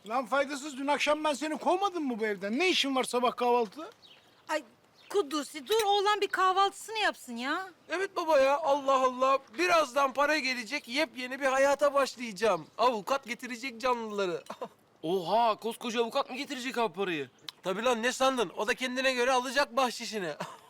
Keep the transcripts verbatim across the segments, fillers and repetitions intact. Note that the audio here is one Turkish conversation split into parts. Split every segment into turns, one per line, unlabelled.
Lan faydasız, dün akşam ben seni kovmadım mı bu evden? Ne işin var sabah kahvaltıda?
Ay Kudusi dur oğlan bir kahvaltısını yapsın ya.
Evet baba ya, Allah Allah. Birazdan para gelecek, yepyeni bir hayata başlayacağım. Avukat getirecek canlıları.
Oha, koskoca avukat mı getirecek abi parayı?
Tabii lan, ne sandın? O da kendine göre alacak bahşişini.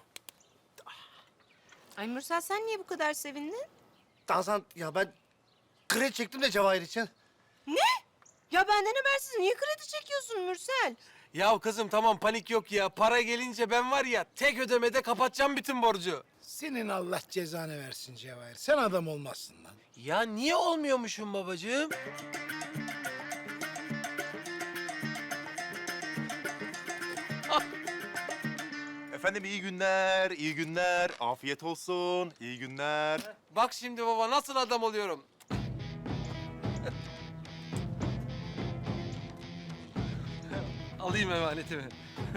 Ay Mürsel sen niye bu kadar sevindin?
Hasan ya ben kredi çektim de Cevahir için.
Ne? Ya benden habersiz niye kredi çekiyorsun Mürsel?
Ya kızım tamam, panik yok ya. Para gelince ben var ya, tek ödemede kapatacağım bütün borcu.
Senin Allah cezanı versin Cevahir. Sen adam olmazsın lan.
Ya niye olmuyormuşum babacığım?
Efendim iyi günler, iyi günler. Afiyet olsun, iyi günler.
Bak şimdi baba, nasıl adam oluyorum. Alayım emanetimi.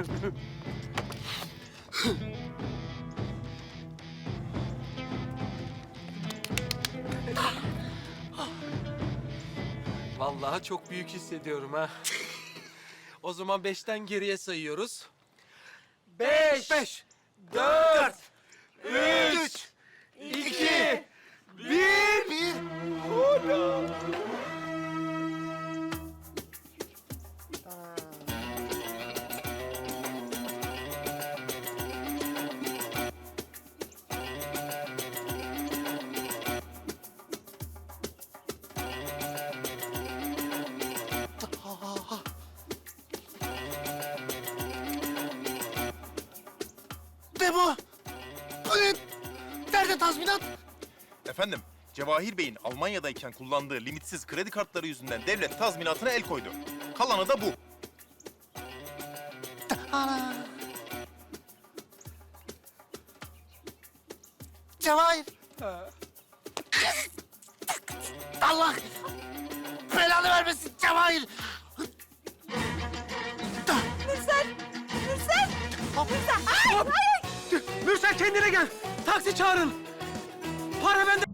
Vallahi çok büyük hissediyorum ha. O zaman beşten geriye sayıyoruz. Beş,
Beş,
dört,
üç,
iki,
bir, bir. Ne bu? Bu ne? Nerede tazminat?
Efendim, Cevahir Bey'in Almanya'dayken kullandığı limitsiz kredi kartları yüzünden devlet tazminatına el koydu. Kalanı da bu.
Ana. Cevahir. Allah belanı vermesin Cevahir.
Mürsel! Mürsel! Mürsel! Ay, ay, ay!
Mürsel kendine gel. Taksi çağırın. Para bende.